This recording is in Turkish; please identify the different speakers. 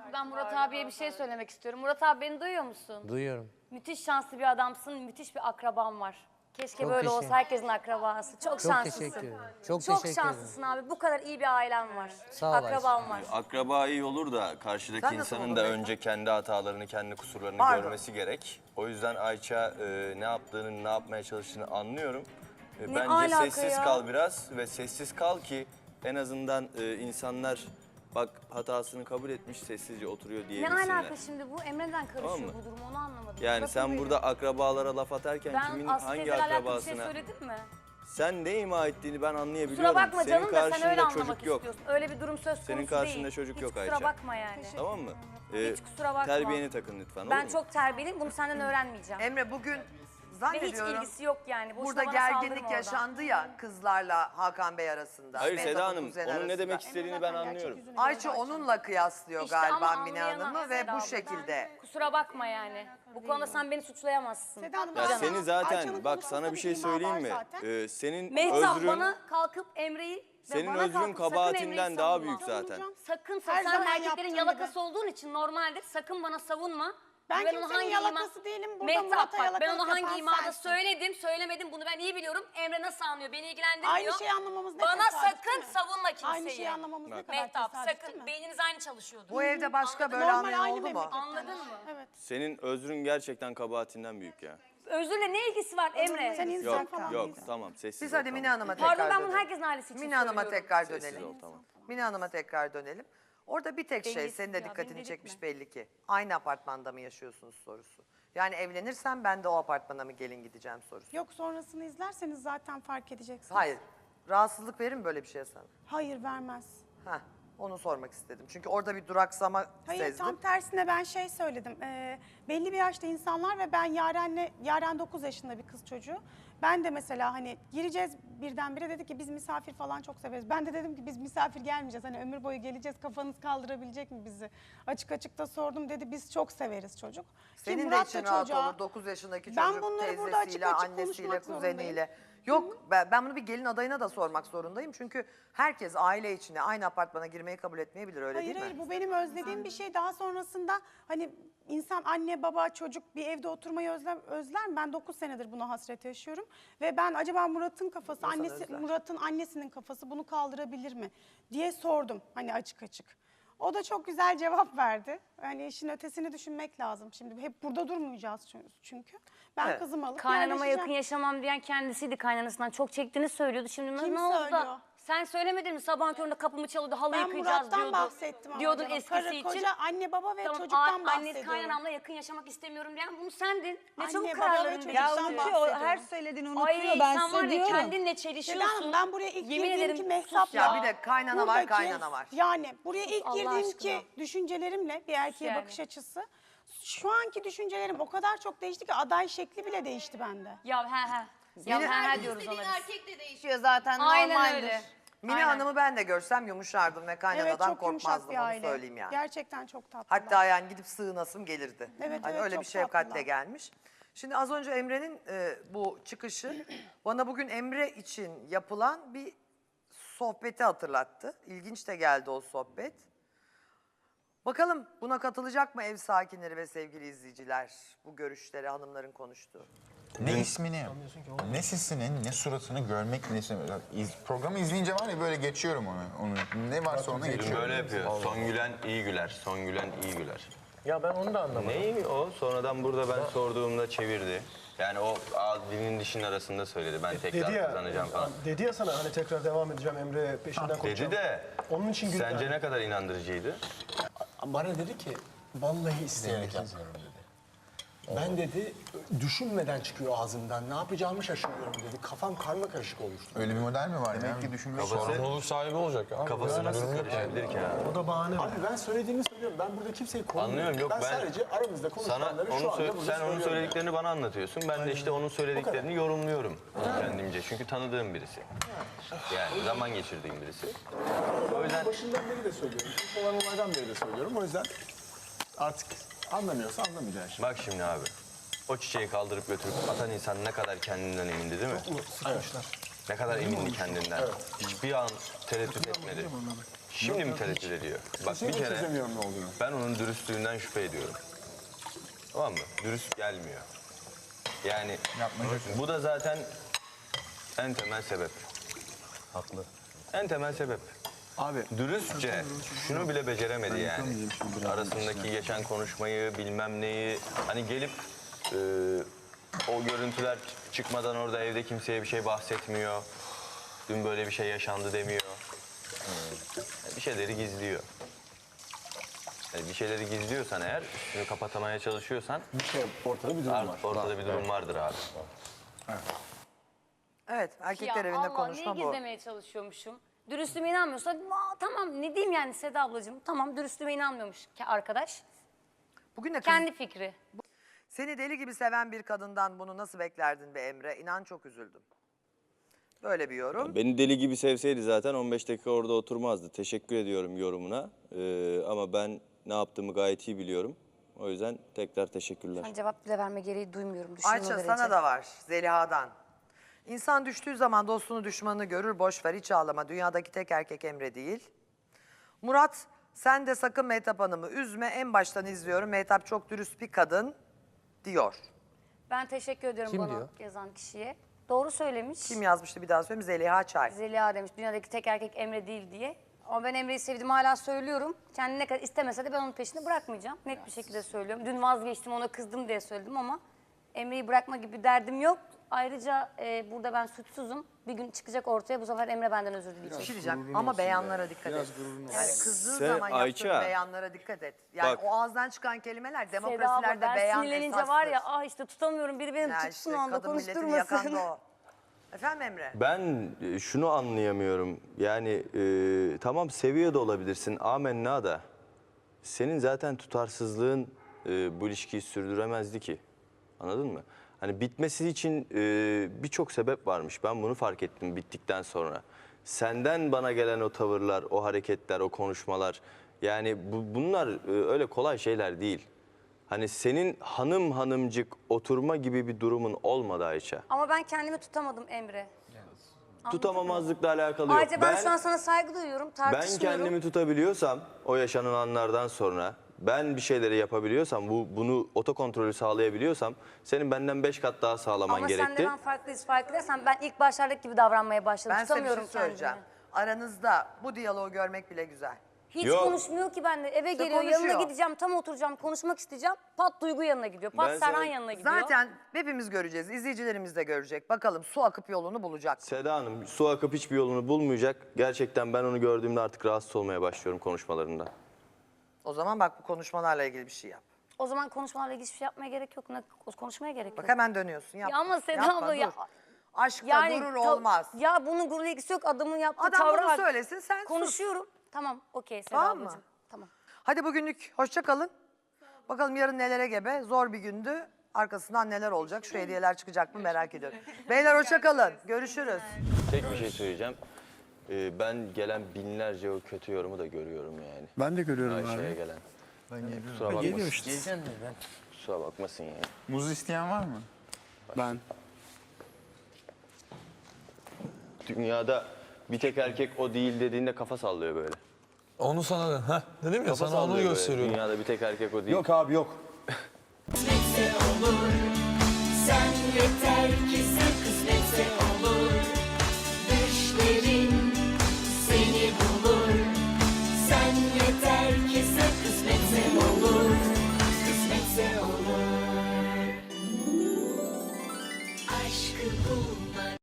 Speaker 1: Ben Murat abiye bir şey söylemek istiyorum. Murat abi beni duyuyor musun?
Speaker 2: Duyuyorum.
Speaker 1: Müthiş şanslı bir adamsın, müthiş bir akraban var. Keşke
Speaker 2: Çok
Speaker 1: böyle olsa
Speaker 2: teşekkür-
Speaker 1: herkesin akrabası. Çok
Speaker 2: Çok
Speaker 1: şanslısın.
Speaker 2: teşekkür ederim. Çok
Speaker 1: Çok
Speaker 2: teşekkür
Speaker 1: şanslısın abi. Bu kadar iyi bir ailen var.
Speaker 2: Sağ ol
Speaker 1: Akraban var.
Speaker 3: Akraba iyi olur da karşıdaki
Speaker 4: Sen nasıl
Speaker 3: insanın
Speaker 4: oldun
Speaker 3: da
Speaker 4: Beyza?
Speaker 3: önce kendi hatalarını, kendi kusurlarını
Speaker 4: Pardon.
Speaker 3: görmesi gerek. O yüzden Ayça ne yaptığını, ne yapmaya çalıştığını anlıyorum. Bence
Speaker 1: alaka
Speaker 3: sessiz
Speaker 1: ya?
Speaker 3: kal biraz ve sessiz kal ki en azından insanlar bak hatasını kabul etmiş sessizce oturuyor
Speaker 1: Ne
Speaker 3: diyebilsinler.
Speaker 1: alaka şimdi bu? Emre'den karışıyor
Speaker 3: Tamam mı?
Speaker 1: bu durum, onu anlamadım.
Speaker 3: Yani
Speaker 1: Burası
Speaker 3: sen
Speaker 1: böyle.
Speaker 3: burada akrabalara laf atarken
Speaker 1: Ben
Speaker 3: kimin
Speaker 1: Aslı
Speaker 3: hangi
Speaker 1: teyzeyle alakalı bir şey
Speaker 3: akrabasına
Speaker 1: söyledim mi?
Speaker 3: sen ne ima ettiğini ben anlayabiliyorum.
Speaker 1: Kusura bakma
Speaker 3: Senin
Speaker 1: canım da sen
Speaker 3: karşında
Speaker 1: öyle anlamak
Speaker 3: çocuk yok.
Speaker 1: istiyorsun. Öyle bir durum söz konusu
Speaker 3: Senin
Speaker 1: değil.
Speaker 3: karşında çocuk
Speaker 1: Hiç
Speaker 3: yok
Speaker 1: kusura
Speaker 3: Ayça.
Speaker 1: bakma yani.
Speaker 3: Tamam mı?
Speaker 1: Hiç kusura bakma.
Speaker 3: Terbiyeni takın lütfen,
Speaker 1: Ben
Speaker 3: olur mu?
Speaker 1: çok terbiyeliyim, bunu senden öğrenmeyeceğim.
Speaker 4: Emre bugün
Speaker 1: Ve hiç
Speaker 4: zannediyorum
Speaker 1: ilgisi yok yani. Boşuna
Speaker 4: burada
Speaker 1: bana
Speaker 4: gerginlik
Speaker 1: saldırma oradan.
Speaker 4: yaşandı ya kızlarla Hakan Bey arasında.
Speaker 3: Hayır
Speaker 4: Mehtap'ın
Speaker 3: Seda Hanım,
Speaker 4: kuzen
Speaker 3: onun ne
Speaker 4: arasında.
Speaker 3: demek istediğini ben anlıyorum.
Speaker 4: Ayça onunla kıyaslıyor
Speaker 1: İşte ama
Speaker 4: galiba Mine
Speaker 1: anlayamam
Speaker 4: Hanım'ı ve
Speaker 1: Seda
Speaker 4: bu
Speaker 1: abla.
Speaker 4: şekilde.
Speaker 1: Kusura bakma yani. Bu konuda sen beni suçlayamazsın.
Speaker 5: Seda Hanım,
Speaker 3: Ya
Speaker 5: Ayça-
Speaker 3: seni zaten,
Speaker 5: Ayça'nın
Speaker 3: bak
Speaker 5: konuşmasında
Speaker 3: sana bir şey
Speaker 5: ima
Speaker 3: söyleyeyim
Speaker 5: var
Speaker 3: mi?
Speaker 5: zaten.
Speaker 3: Senin
Speaker 1: Mehtap
Speaker 3: özrün,
Speaker 1: bana kalkıp Emre'yi ve
Speaker 3: senin
Speaker 1: bana
Speaker 3: özrün
Speaker 1: kalkıp sakın
Speaker 3: kabahatinden
Speaker 1: Emre'yi
Speaker 3: daha
Speaker 1: savunma.
Speaker 3: büyük zaten.
Speaker 1: Sakın
Speaker 5: Her
Speaker 1: sen
Speaker 5: zaman
Speaker 1: erkeklerin
Speaker 5: yaptığım
Speaker 1: yalakası
Speaker 5: gibi.
Speaker 1: olduğun için normaldir. Sakın bana savunma.
Speaker 5: Ben
Speaker 1: onu
Speaker 5: kimsenin
Speaker 1: hangi
Speaker 5: yalakası değilim. Burada
Speaker 1: Mehtap
Speaker 5: Murat'a
Speaker 1: bak ben
Speaker 5: yalakalık
Speaker 1: onu hangi
Speaker 5: yapan
Speaker 1: imada
Speaker 5: sensin.
Speaker 1: söyledim söylemedim bunu ben iyi biliyorum. Emre nasıl anlıyor beni ilgilendirmiyor.
Speaker 5: Aynı şeyi anlamamız ne
Speaker 1: Bana
Speaker 5: tesadüf değil
Speaker 1: sakın
Speaker 5: mi?
Speaker 1: savunma kimseyi.
Speaker 5: Aynı şeyi anlamamız ne kadar
Speaker 1: Mehtap
Speaker 5: tesadüf değil
Speaker 1: sakın
Speaker 5: mi?
Speaker 1: beyniniz aynı çalışıyordu.
Speaker 4: Bu evde başka böyle
Speaker 5: Normal
Speaker 4: anlayan
Speaker 5: aynı
Speaker 4: oldu mu?
Speaker 5: memleketten.
Speaker 1: Anladın mı?
Speaker 5: Evet.
Speaker 3: Senin özrün gerçekten kabahatinden büyük ya.
Speaker 1: Özürle ne ilgisi var Emre?
Speaker 5: Sen insan
Speaker 3: Yok,
Speaker 5: falan
Speaker 3: yok
Speaker 5: değilsin.
Speaker 3: tamam sessiz
Speaker 4: Biz
Speaker 3: ol,
Speaker 4: hadi
Speaker 3: tamam.
Speaker 4: Mine Hanım'a tekrar
Speaker 1: Pardon ben bunu
Speaker 4: dönelim.
Speaker 1: herkesin ailesi için
Speaker 4: Mine Hanım'a
Speaker 1: söylüyorum.
Speaker 4: tekrar
Speaker 3: Sessiz
Speaker 4: dönelim.
Speaker 3: ol, tamam.
Speaker 4: Mine Hanım'a tekrar dönelim. Orada bir tek şey
Speaker 1: Dengesiz
Speaker 4: senin de
Speaker 1: ya,
Speaker 4: dikkatini
Speaker 1: beni
Speaker 4: çekmiş
Speaker 1: delirtme.
Speaker 4: belli ki. Aynı apartmanda mı yaşıyorsunuz sorusu. Yani evlenirsem ben de o apartmana mı gelin gideceğim sorusu.
Speaker 5: Yok, sonrasını izlerseniz zaten fark edeceksiniz.
Speaker 4: Hayır. Rahatsızlık verir mi böyle bir şeye sana?
Speaker 5: Hayır, vermez.
Speaker 4: Heh, onu sormak istedim. Çünkü orada bir duraksama
Speaker 5: Hayır,
Speaker 4: sezdim.
Speaker 5: tam tersine ben şey söyledim. Belli bir yaşta insanlar ve ben Yaren 9 yaşında bir kız çocuğu. Ben de mesela hani gireceğiz birdenbire, dedi ki biz misafir falan çok severiz. Ben de dedim ki biz misafir gelmeyeceğiz. Hani ömür boyu geleceğiz, kafanız kaldırabilecek mi bizi? Açık açık da sordum, dedi biz çok severiz çocuk. Ki
Speaker 4: Senin de
Speaker 5: Murat
Speaker 4: için
Speaker 5: da
Speaker 4: rahat
Speaker 5: çocuğa-
Speaker 4: olur 9 yaşındaki
Speaker 5: Ben
Speaker 4: çocuk
Speaker 5: bunları burada açık
Speaker 4: teyzesiyle,
Speaker 5: açık
Speaker 4: annesiyle,
Speaker 5: konuşmak
Speaker 4: kuzeniyle. Yok ben bunu bir gelin adayına da sormak zorundayım. Çünkü herkes aile içine aynı apartmana girmeyi kabul etmeyebilir öyle
Speaker 5: Hayır
Speaker 4: değil
Speaker 5: hayır,
Speaker 4: mi?
Speaker 5: bu benim özlediğim bir şey. Daha sonrasında hani insan anne baba çocuk bir evde oturmayı özler mi? Ben 9 senedir buna hasret yaşıyorum. Ve ben acaba Murat'ın kafası,
Speaker 4: İnsan özler.
Speaker 5: Murat'ın annesinin kafası bunu kaldırabilir mi diye sordum hani açık açık. O da çok güzel cevap verdi. Hani işin ötesini düşünmek lazım. Şimdi hep burada durmayacağız çünkü. Ben
Speaker 4: Evet.
Speaker 5: kızımı alıp
Speaker 1: Kaynanama
Speaker 5: yerleşeceğim.
Speaker 1: yakın yaşamam diyen kendisiydi, kaynanasından çok çektiğini söylüyordu. Şimdi
Speaker 5: Kim
Speaker 1: ne oldu
Speaker 5: söylüyor?
Speaker 1: da sen söylemedin mi sabahın köründe kapımı çalıyordu halı
Speaker 5: Ben
Speaker 1: yıkayacağız
Speaker 5: Murat'tan
Speaker 1: diyordu.
Speaker 5: bahsettim ama
Speaker 1: Diyordun
Speaker 5: canım.
Speaker 1: eskisi
Speaker 5: Karı,
Speaker 1: için.
Speaker 5: koca, anne baba ve
Speaker 1: Tamam,
Speaker 5: çocuktan
Speaker 1: annesi
Speaker 5: bahsediyorum.
Speaker 1: kaynanamla yakın yaşamak istemiyorum diyen bunu sendin. Ne
Speaker 5: Anne,
Speaker 1: çabuk
Speaker 5: baba ve
Speaker 1: kararların
Speaker 5: çocuk.
Speaker 1: değişti.
Speaker 6: Ya
Speaker 5: Çocuktan
Speaker 6: unutuyor, o her
Speaker 5: bahsediyorum.
Speaker 6: söylediğini unutuyor.
Speaker 1: Ay
Speaker 6: Ben
Speaker 1: sen var
Speaker 6: size
Speaker 1: ya
Speaker 6: diyorum.
Speaker 1: kendinle
Speaker 5: Seda
Speaker 1: çelişiyorsun.
Speaker 5: Hanım, ben buraya ilk
Speaker 1: Yemin
Speaker 5: girdiğim
Speaker 1: ederim
Speaker 5: ki
Speaker 1: sus
Speaker 5: Mehtap'la...
Speaker 4: Ya bir de kaynana var,
Speaker 5: buradaki-
Speaker 4: kaynana var.
Speaker 5: Yani buraya ilk
Speaker 1: Allah
Speaker 5: girdiğim
Speaker 1: aşkına.
Speaker 5: ki düşüncelerimle bir erkeğe
Speaker 1: Yani.
Speaker 5: bakış açısı... Şu anki düşüncelerim o kadar çok değişti ki aday şekli bile değişti bende.
Speaker 1: Ya he. Ya he diyoruz ona
Speaker 6: İstediğin
Speaker 1: biz.
Speaker 6: erkek de değişiyor zaten,
Speaker 1: Aynen
Speaker 6: normaldir.
Speaker 1: öyle.
Speaker 4: Mine
Speaker 1: Aynen.
Speaker 4: Hanım'ı ben de görsem yumuşardım ve kaynanadan
Speaker 5: çok yumuşak
Speaker 4: korkmazdım
Speaker 5: bir
Speaker 4: onu
Speaker 5: aile.
Speaker 4: söyleyeyim yani.
Speaker 5: Gerçekten çok tatlı.
Speaker 4: Hatta yani gidip sığınasım gelirdi.
Speaker 5: Evet,
Speaker 4: Hani
Speaker 5: evet,
Speaker 4: öyle
Speaker 5: çok
Speaker 4: bir şefkatle
Speaker 5: tatlılar.
Speaker 4: gelmiş. Şimdi az önce Emre'nin bu çıkışı bana bugün Emre için yapılan bir sohbeti hatırlattı. İlginç de geldi o sohbet. Bakalım buna katılacak mı ev sakinleri ve sevgili izleyiciler bu görüşleri hanımların konuştuğu?
Speaker 7: Ne ismini, ne sesini, ne suratını görmek, ne programı izleyince var ya böyle geçiyorum onu. Ne varsa ona geçiyorum.
Speaker 3: Böyle yapıyor. Son gülen iyi güler, son gülen iyi güler.
Speaker 2: Ya ben onu da anlamadım.
Speaker 3: Neyi o? Sonradan burada ben sorduğumda çevirdi. Yani o dilin dişin arasında söyledi. Ben tekrar
Speaker 8: Dedi ya,
Speaker 3: kazanacağım falan.
Speaker 8: dedi ya sana hani tekrar devam edeceğim Emre peşinden koşacağım.
Speaker 3: Dedi de
Speaker 8: Onun için güldü.
Speaker 3: sence ne kadar inandırıcıydı?
Speaker 8: Bana dedi ki vallahi isteyerek yazıyorum dedi. Ben dedi düşünmeden çıkıyor ağzımdan. Ne yapacağımı şaşırıyorum dedi. Kafam karma karışık oluştu.
Speaker 7: Öyle bir model mi var? Demek ki düşünmek
Speaker 3: Kafası,
Speaker 2: sahibi olacak abi.
Speaker 3: kafası nasıl karışabilir ki ya?
Speaker 8: O da bahane. Abi ben söylediğimi söylüyorum. Ben burada kimseyi kovmuyorum.
Speaker 3: Anlıyorum, yok
Speaker 8: ben
Speaker 3: ben
Speaker 8: sadece aramızda
Speaker 3: sana
Speaker 8: konuşanları şu
Speaker 3: onu
Speaker 8: anda burada
Speaker 3: sen onun
Speaker 8: söylüyorum
Speaker 3: söylediklerini bana anlatıyorsun. Ben de işte onun söylediklerini yorumluyorum kendimce. Çünkü tanıdığım birisi. Yani zaman geçirdiğim birisi. O yüzden
Speaker 8: Yani. Başından beri de söylüyorum. İlk olan olaydan beri de söylüyorum. O yüzden artık anlamıyorsa anlamayacaksın şimdi.
Speaker 3: bak şimdi abi. O çiçeği kaldırıp götürüp atan insan ne kadar kendinden emindi değil mi?
Speaker 8: Sıkmışlar.
Speaker 3: Ne kadar emindi kendinden. Hiçbir an tereddüt etmedi. Şimdi mi tereddüt ediyor? Bak bir
Speaker 8: Kesinlikle
Speaker 3: kere
Speaker 8: çözemiyorum ne olduğunu.
Speaker 3: ben onun dürüstlüğünden şüphe ediyorum. Tamam mı? Dürüst gelmiyor. Yani
Speaker 7: Yapmacık.
Speaker 3: bu da zaten en temel sebep.
Speaker 2: Haklı.
Speaker 3: En temel sebep.
Speaker 8: Abi
Speaker 3: Dürüstçe şunu bile beceremedi yani. Arasındaki geçen konuşmayı bilmem neyi. Hani gelip o görüntüler çıkmadan orada evde kimseye bir şey bahsetmiyor. Dün böyle bir şey yaşandı demiyor. Bir şeyleri gizliyor. Yani bir şeyleri gizliyorsan eğer, üstünü kapatmaya çalışıyorsan
Speaker 8: bir şey ortada bir durum var.
Speaker 3: ortada bir durum vardır abi.
Speaker 4: Evet, erkekler
Speaker 1: Ya
Speaker 4: evinde
Speaker 1: Allah,
Speaker 4: konuşma
Speaker 1: niye
Speaker 4: bu.
Speaker 1: gizlemeye çalışıyormuşum? Dürüstlüğüme inanmıyorsa tamam ne diyeyim yani Seda ablacığım. Tamam dürüstlüğüme inanmıyormuş ki arkadaş.
Speaker 4: Bugün de kız,
Speaker 1: Kendi fikri.
Speaker 4: seni deli gibi seven bir kadından bunu nasıl beklerdin be Emre? İnan çok üzüldüm. Böyle bir yorum.
Speaker 6: Beni deli gibi sevseydi zaten 15 dakika orada oturmazdı. Teşekkür ediyorum yorumuna. Ama ben ne yaptığımı gayet iyi biliyorum. O yüzden tekrar teşekkürler.
Speaker 1: Ben cevap bile verme gereği duymuyorum. Düşünme
Speaker 4: Ayça
Speaker 1: derece.
Speaker 4: sana da var Zeliha'dan. İnsan düştüğü zaman dostunu düşmanını görür, boş ver hiç ağlama. Dünyadaki tek erkek Emre değil. Murat, sen de sakın Mehtap Hanım'ı üzme. En baştan izliyorum. Mehtap çok dürüst bir kadın diyor.
Speaker 1: Ben teşekkür ediyorum
Speaker 2: Kim
Speaker 1: bana
Speaker 2: diyor?
Speaker 1: yazan kişiye. Doğru söylemiş.
Speaker 4: Kim yazmıştı bir daha söyleyeyim? Zeliha Çay.
Speaker 1: Zeliha demiş dünyadaki tek erkek Emre değil diye. Ama ben Emre'yi sevdiğimi hala söylüyorum. Kendi ne kadar istemese de ben onun peşini bırakmayacağım. Net bir şekilde söylüyorum. Dün vazgeçtim ona kızdım diye söyledim ama Emre'yi bırakma gibi bir derdim yok. Ayrıca burada ben suçsuzum. Bir gün çıkacak ortaya bu sefer Emre benden özür
Speaker 4: Bir
Speaker 1: dileyecek.
Speaker 4: şey diyeceğim ama beyanlara dikkat et. Yani kızdığın
Speaker 6: Sen
Speaker 4: zaman yaptığın
Speaker 6: Ayça.
Speaker 4: beyanlara dikkat et. Yani
Speaker 6: Bak.
Speaker 4: o ağızdan çıkan kelimeler
Speaker 1: Seda abla
Speaker 4: demokrasilerde
Speaker 1: ben
Speaker 4: beyan
Speaker 1: sinirlenince
Speaker 4: esastır.
Speaker 1: var ya işte tutamıyorum biri beni
Speaker 4: Ya
Speaker 1: tutsun
Speaker 4: işte
Speaker 1: o anda
Speaker 4: kadın milletini yakan da
Speaker 1: konuşturmasın.
Speaker 4: o. Efendim Emre?
Speaker 3: Ben şunu anlayamıyorum. Yani tamam seviyor da olabilirsin. Amenna da. Senin zaten tutarsızlığın bu ilişkiyi sürdüremezdi ki. Anladın mı? Hani bitmesi için birçok sebep varmış. Ben bunu fark ettim bittikten sonra. Senden bana gelen o tavırlar, o hareketler, o konuşmalar. Yani bunlar öyle kolay şeyler değil. Hani senin hanım hanımcık oturma gibi bir durumun olmadı Ayça.
Speaker 1: Ama ben kendimi tutamadım Emre.
Speaker 3: Tutamamazlıkla alakalı yok.
Speaker 1: Ayrıca ben şu an sana saygı duyuyorum,
Speaker 3: Ben
Speaker 1: tartışmıyorum.
Speaker 3: kendimi tutabiliyorsam o yaşanan anlardan sonra ben bir şeyleri yapabiliyorsam bunu otokontrolü sağlayabiliyorsam senin benden 5 kat daha sağlaman
Speaker 1: Ama
Speaker 3: gerekti.
Speaker 1: sen de ben farklıyız fark edersen ben ilk başlardaki gibi davranmaya başladım.
Speaker 4: Ben size bir şey
Speaker 1: Tutamıyorum
Speaker 4: söyleyeceğim.
Speaker 1: kendimi.
Speaker 4: Aranızda bu diyaloğu görmek bile güzel.
Speaker 1: Hiç
Speaker 3: Yok.
Speaker 1: konuşmuyor ki benimle. Eve geliyor,
Speaker 4: konuşuyor.
Speaker 1: yanına gideceğim, tam oturacağım, konuşmak isteyeceğim. Pat Duygu yanına gidiyor, pat
Speaker 3: Ben
Speaker 1: Serhan
Speaker 3: sana-
Speaker 1: yanına gidiyor.
Speaker 4: Zaten hepimiz göreceğiz, izleyicilerimiz de görecek. Bakalım su akıp yolunu bulacak.
Speaker 3: Seda Hanım su akıp hiçbir yolunu bulmayacak. Gerçekten ben onu gördüğümde artık rahatsız olmaya başlıyorum konuşmalarında.
Speaker 4: O zaman bak bu konuşmalarla ilgili bir şey yap.
Speaker 1: O zaman konuşmalarla ilgili hiçbir şey yapmaya gerek yok. Konuşmaya gerek yok.
Speaker 4: Bak hemen dönüyorsun. Yapma.
Speaker 1: Ya ama Seda
Speaker 4: Yapma,
Speaker 1: abla ya-
Speaker 4: dur. Aşkta
Speaker 1: Yani
Speaker 4: gurur
Speaker 1: ta-
Speaker 4: olmaz.
Speaker 1: Ya bunun gururla ilgisi yok. Adamın yaptığı
Speaker 4: Adam
Speaker 1: tavra
Speaker 4: bunu
Speaker 1: bak.
Speaker 4: söylesin sen sus.
Speaker 1: Konuşuyorum. Tamam, okey Seda
Speaker 4: Tamam mı?
Speaker 1: ablacığım. Tamam.
Speaker 4: Hadi bugünlük hoşça kalın. Bakalım yarın nelere gebe. Zor bir gündü. Arkasından neler olacak? Şu hediyeler çıkacak mı merak ediyorum. Beyler hoşça kalın. Görüşürüz.
Speaker 3: Tek bir şey söyleyeceğim. Ben gelen binlerce o kötü yorumu da görüyorum yani.
Speaker 8: Ben de görüyorum
Speaker 3: Ayşe'ye
Speaker 8: abi.
Speaker 3: gelen. Kusura bakmasın.
Speaker 8: Geliyor işte.
Speaker 2: Geleceğim mi ben?
Speaker 3: Kusura bakmasın yani.
Speaker 7: Muz isteyen var mı?
Speaker 8: Ben.
Speaker 3: Dünyada bir tek erkek o değil dediğinde kafa sallıyor böyle.
Speaker 2: Onu sana da. Heh, dedim ya
Speaker 3: Kafa
Speaker 2: sana onu
Speaker 3: sallıyor böyle.
Speaker 2: gösteriyorum.
Speaker 3: Dünyada bir tek erkek o değil.
Speaker 8: Yok abi yok.
Speaker 9: Kısmetse olur. Sen yeter ki sen kısmetse olur. Düşlerin seni bulur. Sen yeter ki sen kısmetse olur. Kısmetse olur. Aşkı bulmak